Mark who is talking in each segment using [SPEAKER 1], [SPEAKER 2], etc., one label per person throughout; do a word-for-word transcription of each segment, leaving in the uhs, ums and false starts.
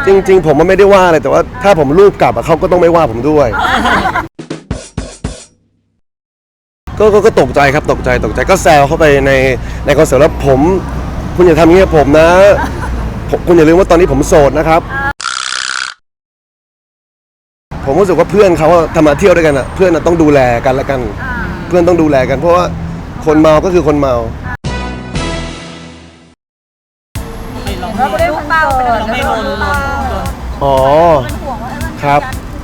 [SPEAKER 1] จริงๆผมมันไม่ได้ว่าอะไรแต่ว่าถ้าผมรูปกลับเขาก็ต้องไม่ว่าผมด้วยก็ก็ตกใจครับตกใจตกใจก็แซวเข้าไปในในคอนเสิร์ตแล้วผมคุณอย่าทำอย่างนี้กับผมนะคุณอย่าลืมว่าตอนนี้ผมโสดนะครับผมรู้สึกว่าเพื่อนเขาทำมาเที่ยวด้วยกันอ่ะเพื่อนต้องดูแลกันและกันเพื่อนต้องดูแลกันเพราะว่าคนเมาก็คือคนเมา
[SPEAKER 2] เราไม่ได้เป้าเราไม่โดน
[SPEAKER 1] อ๋อครับ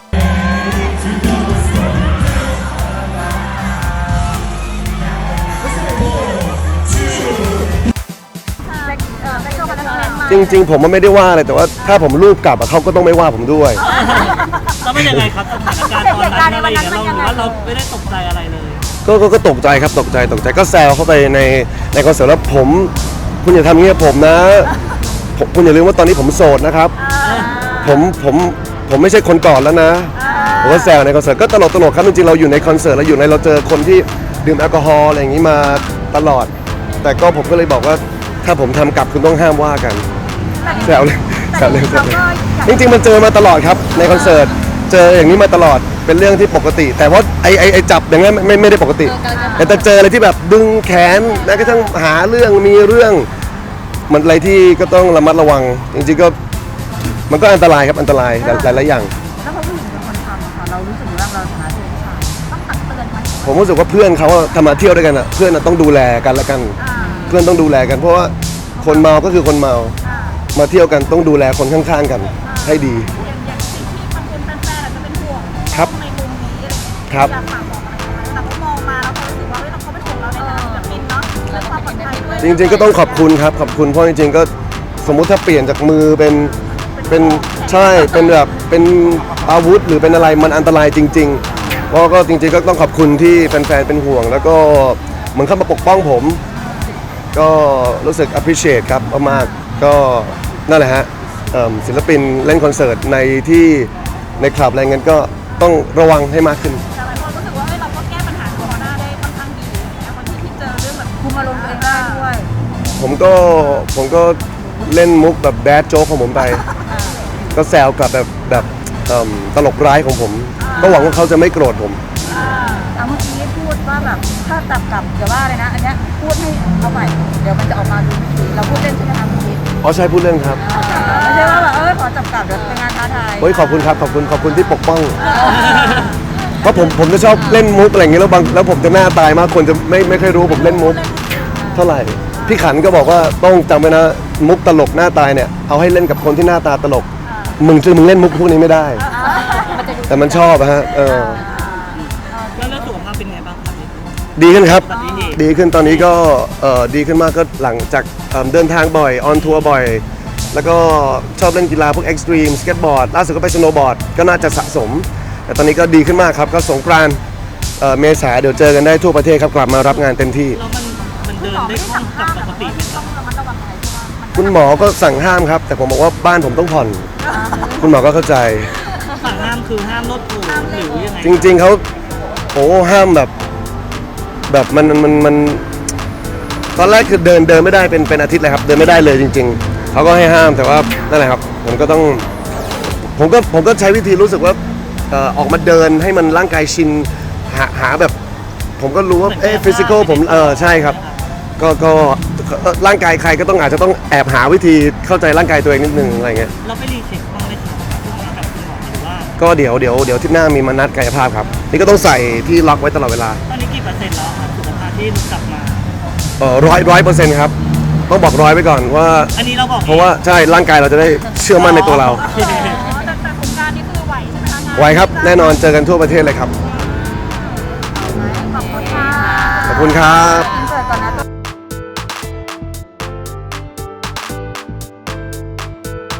[SPEAKER 1] จริงๆผมมันไม่ได้ว่าอะไรแต่ว่าถ้าผมรูปกลับเขาก็ต้องไม่ว่าผมด้วย
[SPEAKER 3] แล้วเป็นยังไงครับสถานการณ์ตอนนั้นอะไรอย่างเงี้ยเราว่าเราไม่ได้ตกใจอะไรเลย
[SPEAKER 1] ก็ก็ตกใจครับตกใจตกใจก็แซวเข้าไปในในคอนเสิร์ตแล้วผมคุณอย่าทำอย่างนี้กับผมนะคุณอย่าลืมว่าตอนนี้ผมโสดนะครับผมผมผมไม่ใช่คนก่อนแล้วนะผมก็แซวในคอนเสิร์ตก็ตลกตลกครับจริงๆเราอยู่ในคอนเสิร์ตเราอยู่ในเราเจอคนที่ดื่มแอลกอฮอล์อะไรอย่างนี้มาตลอดแต่ก็ผมก็เลยบอกว่าถ้าผมทำกลับคุณต้องห้ามว่ากันแซวเลยแซวเลยแซวเลยจริงๆมันเจอมาตลอดครับในคอนเสิร์ตเจออย่างนี้มาตลอดเป็นเรื่องที่ปกติแต่ว่าไอไอไอจับอย่างนั้นไม่ไม่ได้ปกติแต่แต่เจออะไรที่แบบดึงแขนแล้วก็ทั้งหาเรื่องมีเรื่องมันอะไรที่ก็ต้องระมัดระวังจริงๆก็มันก็อันตรายครับอันตรายหลายหลายอย่าง
[SPEAKER 2] แล้วพอผู้หญิงเป็นคนทำค่ะเรารู้สึกว่าเราฐานะเป็นผู้ชายต้องตักเตือนไหม
[SPEAKER 1] ผมรู้สึกว่าเพื่อนเขาทำมาเที่ยวด้วยกันอ่ะเพื่อนต้องดูแลกันและกันเพื่อนต้องดูแลกันเพราะว่าคนเมาก็คือคนเมามาเที่ยวกันต้องดูแลคนข้างๆกันให้ดี
[SPEAKER 2] อย่างอย่างสิ่งที่บางคนแฟนๆอาจจะเป็นห่วง
[SPEAKER 1] ครับ
[SPEAKER 2] ในมุมนี้อะไรอย่างเงี้ย
[SPEAKER 1] ครับ
[SPEAKER 2] อยากฝากบอกอะไรไหมแต่เขามองมาแล้วเขารู้สึกว่าเฮ้ยเขาเป็นห่วงเราในฐานะศิลปินเนาะเรื่องความปลอดภัยด้วย
[SPEAKER 1] จริงๆก็ต้องขอบคุณครับขอบคุณเพราะจริงๆก็สมมุติถ้าเปลี่ยนจากมือเป็นเป็นใช่เป็นแบบเป็นอาวุธหรือเป็นอะไรมันอันตรายจริงๆเพราะก็จริงๆก็ต้องขอบคุณที่แฟนๆเป็นห่วงแล้วก็เหมือนเข้ามาปกป้องผมก็รู้สึก appreciate ครับมากๆก็นั่นแหละฮะศิลปินเล่นคอนเสิร์ตในที่ในคลับอะไรเงี้ยก็ต้องระวังให้มากขึ้น
[SPEAKER 2] แต่หลายคนรู้สึกว่าเราก็แก้ปัญหาโควิดได้ค่อนข้างดีนะคนที่เจอเรื่องแบบคุมอารมณ์ตัวเองได้ด้วย
[SPEAKER 1] ผมก็ผมก็เล่นมุกแบบแบดโจ๊กของผมไปก็แซวกลับแบบแบบตลกร้ายของผมก็หวังว่าเขาจะไม่โกรธผม
[SPEAKER 2] อ่าเมื่อกี้พูดว่าแบบถ้าจับกลับเดี๋ยวว่าเลยนะอันเนี้ยพูดให้เอาใหม่เดี๋ยวมันจะออกมาดูดีเราพูดเล่นใช่ไหมคะเมื่อกี้
[SPEAKER 1] อ๋อใช่พูดเล่นครับ
[SPEAKER 2] ไม่ใช่ว่าแบบเออขอจับกลับเดี๋ยวเป็นงานท้าทาย
[SPEAKER 1] เฮ้ยขอบคุณครับขอบคุณขอบคุณที่ปกป้องเพราะผมผมจะชอบเล่นมุกอะไรอย่างเงี้ยแล้วบางแล้วผมจะหน้าตายมากคนจะไม่ไม่เคยรู้ผมเล่นมุกเท่าไหร่พี่ขันก็บอกว่าต้องจำไว้นะมุกตลกหน้าตายเนี่ยเอาให้เล่นกับคนที่หน้าตาตลกมึงคือมึงเล่นมุกพวกนี้ไม่ได้แต่มันชอบฮะเออ
[SPEAKER 3] แล้วเรื่องสุขภาพเป็นไงบ้างครับ
[SPEAKER 1] ดีขึ้นครับดีขึ้นตอนนี้ก็เออดีขึ้นมากก็หลังจากเดินทางบ่อยออนทัวร์บ่อยแล้วก็ชอบเล่นกีฬาพวกเอ็กซ์ตรีมสเก็ตบอร์ดล่าสุดก็ไปสโนว์บอร์ดก็น่าจะสะสมแต่ตอนนี้ก็ดีขึ้นมากครับก็สงกรานต์เมษาเดี๋ยวเจอกันได้ทั่วประเทศครับกลับมารับงานเต็มที่
[SPEAKER 3] เดินได้คล่องกับปกติไหมครับ
[SPEAKER 1] คุณหมอก็สั่งห้ามครับแต่ผมบอกว่าบ้านผมต้องผ่อนคุณหมอก็เข้าใจ
[SPEAKER 3] สั่งห้ามคือห้ามรถถูหรือยังไง
[SPEAKER 1] จริงๆเขาโอ้ห้ามแบบแบบมันมันมันตอนแรกคือเดินเดินไม่ได้เป็นเป็นอาทิตย์เลยครับเดินไม่ได้เลยจริงๆเขาก็ให้ห้ามแต่ว่านั่นแหละครับผมก็ต้องผมก็ผมก็ใช้วิธีรู้สึกว่าออกมาเดินให้มันร่างกายชินหาหาแบบผมก็รู้ว่าเอ๊ะฟิสิกอลผมเออใช่ครับก็ก็ร่างกายใครก็ต้องอาจจะต้องแอบหาวิธีเข้าใจร่างกายตัวเองนิดนึงอะไรเงี้ย
[SPEAKER 3] เราไปรีเช็คบ้างไหมครับกับคุณหมอหรือว่า
[SPEAKER 1] ก็เดี๋ยวเดี๋ยวเดี๋ยวที่หน้ามีมานัดกายภาพครับนี่ก็ต้องใส่ที่ล็อกไว้ตลอดเวลา
[SPEAKER 3] ตอนนี้กี่เปอร์เซ็นต์แล้วครับสุขภาพที่กลับมา
[SPEAKER 1] เออร้อยร้อยเปอร์เซ็นต์ครับต้องบอกร้อยไว้ก่อนว่า
[SPEAKER 3] อันนี้เราบอก
[SPEAKER 1] เพราะว่าใช่ร่างกายเราจะได้เชื่อมั่นในตัวเรา
[SPEAKER 2] แต่แต่โครงการนี้คือไหวใช่ไหมคะ
[SPEAKER 1] ไหวครับแน่นอนเจอกันทั่วประเทศเลยครับ
[SPEAKER 2] ขอบคุณค่ะ
[SPEAKER 1] ขอบคุณครับ